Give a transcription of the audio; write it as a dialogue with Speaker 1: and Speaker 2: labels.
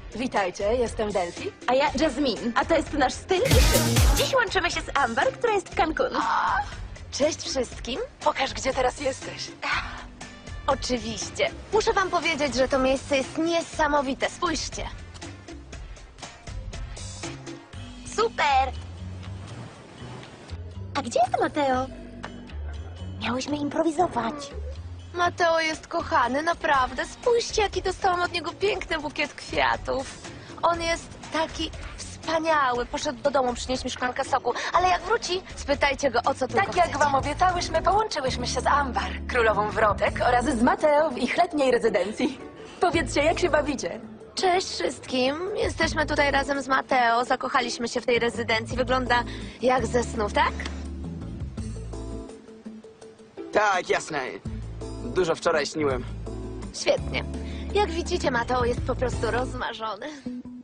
Speaker 1: Witajcie, jestem Delphi.
Speaker 2: A ja Jasmine, a to jest nasz styl. Dziś łączymy się z Amber, która jest w Cancun.
Speaker 1: Cześć wszystkim. Pokaż, gdzie teraz jesteś.
Speaker 3: Oczywiście. Muszę wam powiedzieć, że to miejsce jest niesamowite. Spójrzcie.
Speaker 2: Super! A gdzie jest Mateo? Miałyśmy improwizować.
Speaker 3: Mateo jest kochany, naprawdę. Spójrzcie, jaki dostałam od niego piękny bukiet kwiatów. On jest taki wspaniały. Poszedł do domu przynieść mi szklankę soku, ale jak wróci, spytajcie go, o co tylko
Speaker 1: Tak jak
Speaker 3: chcecie.
Speaker 1: wam obiecałyśmy, połączyłyśmy się z Ambar, królową wrotek, oraz z Mateo w ich letniej rezydencji. Powiedzcie, jak się bawicie?
Speaker 3: Cześć wszystkim. Jesteśmy tutaj razem z Mateo. Zakochaliśmy się w tej rezydencji. Wygląda jak ze snów, tak?
Speaker 4: Tak, jasne. Dużo wczoraj śniłem.
Speaker 3: Świetnie. Jak widzicie, Mateo jest po prostu rozmarzony.